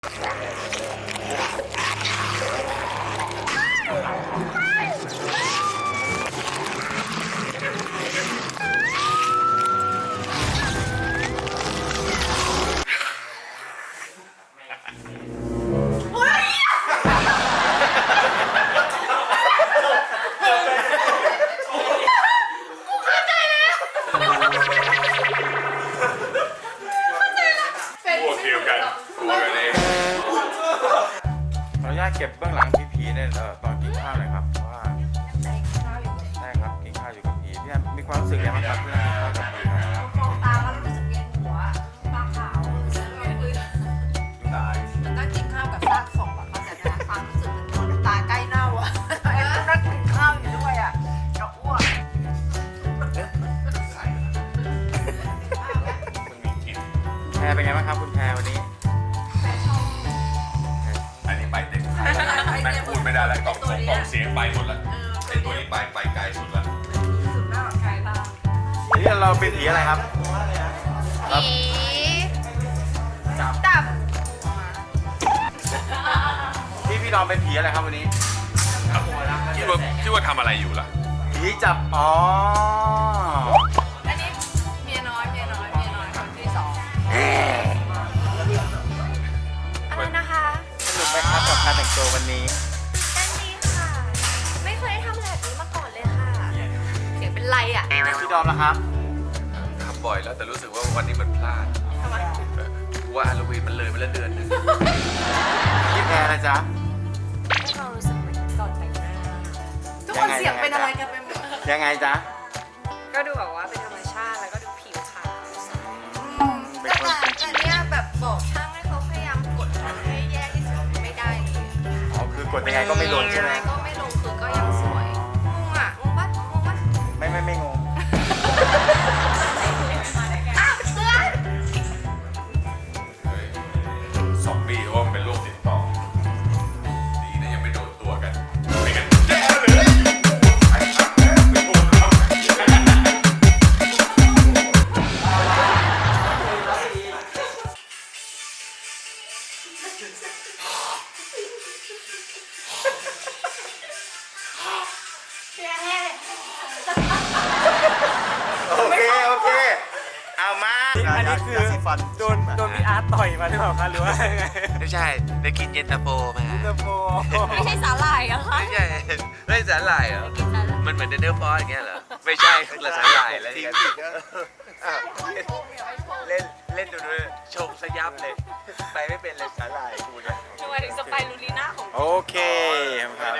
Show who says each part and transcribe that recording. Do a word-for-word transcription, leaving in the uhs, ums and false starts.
Speaker 1: เก็บเบื้องหลังพี่ผีเนี่ยเออตอนกินข้าวหน่อยครับเพราะว่าใช่ครับกินข้าวอยู่กับผีพี่มีความรู้สึกยังไงครับที่นั่งกินข้าวกับผีครับ
Speaker 2: มองตาแล้วรู้สึกเวียนหัวตาขาวรู้สึกเวียนหัวมันนั่งกินข้าวกับซากศพอะเขาจะได้ความรู้สึกเหมือนคนตาใกล้เน่าอะนั่งกินข้าวอยู่ด้วยอะจะอ้วก
Speaker 1: แพรเป็นไงบ้างครับคุณแพรวันนี้
Speaker 3: อันนี้ไปเต็มแม่งพูดไม่ได้แล้วกล่องส่งกล่องเสียงไปหมดแล้วไอ้ตัวนี้ไปไปไกลสุดแล้ว
Speaker 2: สุดแล้วไกลบ้าง
Speaker 1: นี่เราเป็นผีอะไรครับ
Speaker 2: ผีจับ
Speaker 1: พี่พี่ดอมเป็นผีอะไรครับวันนี้
Speaker 3: คิดว่าคิดว่าทำอะไรอยู่ล่ะ
Speaker 1: ผีจับอ๋อ
Speaker 2: อันนี้เมียน้อยเมียน้อยเมียน้อยคนที่สองอะไรนะคะ
Speaker 1: สนุกไหมครับกับการแต่งตัววันนี้
Speaker 2: กันดีค่ะไม่เคยทำแบบนี้มาก่อนเลยค่ะเสียงเป็นไรอ่ะ
Speaker 1: พี่ดอมนะครับ
Speaker 3: ทำบ่อยแล้วแต่รู้สึกว่าวันนี้มันพลาด
Speaker 2: ทำไม
Speaker 3: ว่าฮาโลวีนมันเลยมาแล้วเดือนนึง
Speaker 1: พี่แพรนะจ๊ะ
Speaker 2: ให้เรารู้สึกเหมือนก่อนแต่งหน้าทุกคนเสียงเป็นอะไรกันไปหมด
Speaker 1: ยังไงจ๊ะ
Speaker 2: ก็ดูแบบว่าเป็นธรรมชาติแล้วก็ดูผิวขาว
Speaker 1: แต่
Speaker 2: แต่เนี่ยแบบบอกช่างให้เขาพยายามกดให้แย่ที่สุดไม่ได้เลย
Speaker 1: อ๋อคือกดยังไงก็ไม่ลงใช่ไหม
Speaker 2: ก็ไม่ลงคือก็ยังสวยงงอ่ะงงปะงงปะ
Speaker 1: ไม่ไม่ไม่งง
Speaker 2: อ้าวเพื่อน
Speaker 3: สองปีว่ามันเป็นโรคติดต่อดีนะยังไม่โดนตัวกันไม่กันแย่เลยไอ้ช่างแม่ไม่โดนเรา
Speaker 1: โอเคโอเคเอามา
Speaker 4: อันนี้คือโดนโดนพี่อาร์ตต่อยมาหรือเปล่าคะหรือว่าไง
Speaker 5: ไม่ใช่ได้กินเย็นตาโฟมา
Speaker 4: เย็นตาโฟ
Speaker 2: ไม่ใช่สาหร่ายอะคะ
Speaker 5: ไม่ใช่ไม่สาหร่ายเหรอมันเหมือนเดนเนอร์ฟอสอย่างเงี้ยเหรอไม่ใช่คือสาหร่ายแล้วเนี่ยเล่นเล่นดูด้วยชงสยับเลยไปไม่เป็นเลยสาหร่ายกูเนี่ย
Speaker 2: ทำไมถึงสไปรูลีน่าของ
Speaker 1: โอเคค